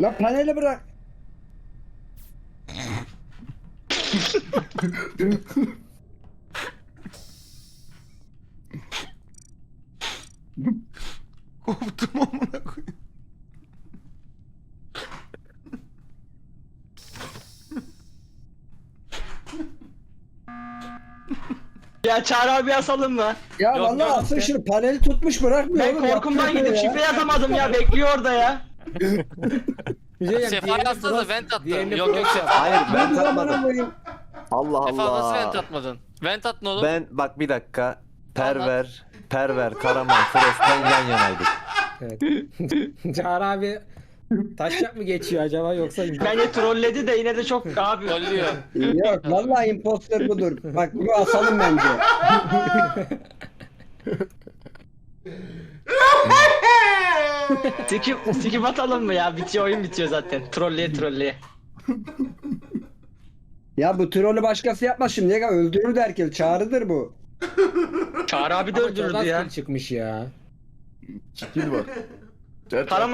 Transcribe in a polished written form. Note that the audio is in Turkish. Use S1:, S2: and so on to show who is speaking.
S1: La paneli bırak.
S2: Koptum amına koyayım.
S3: Ya Çağrı abi asalım mı?
S1: Ya
S4: Yok,
S1: vallahi
S4: yok,
S1: asıl
S4: sen-
S1: şunu paneli tutmuş bırakmıyor
S3: Ben
S1: oğlum,
S3: korkumdan
S1: yapıyor
S3: gidip
S1: ya.
S3: şifre yazamadım ya, bekliyor orada ya.
S5: Bir şey diyeyim,
S4: Sefa
S5: diğerini
S4: yazsa da
S5: Frost-
S4: vent attı.
S5: diğerini
S4: Yok, yok,
S5: Frost
S4: Sefa.
S5: yaptı.
S6: Hayır ben
S1: Dur amına
S6: tatmadım.
S1: koyayım.
S6: Allah
S4: Sefa nasıl vent
S6: Allah.
S4: atmadın? Vent at ne oğlum?
S6: Ben bak bir dakika. Perver, Karaman, Frost'tan yan yanaydık.
S5: Evet. Çağrı abi taşacak mı geçiyor acaba yoksa
S3: Bence trolledi de yine de çok abi.
S4: Trollüyor.
S1: Yok vallahi imposter budur. Bak bunu asalım bence.
S3: Skip atalım mı ya? Bitiyor, oyun bitiyor zaten. Trolleye.
S1: Ya bu trolü başkası yapmaz şimdi. Ya öldürür herkes. Çağrıdır bu.
S3: Çağrı abi de
S5: Ama çok
S3: öldürürdü
S5: az
S3: ya.
S5: kill çıkmış ya.
S2: Skill var.
S3: Karaman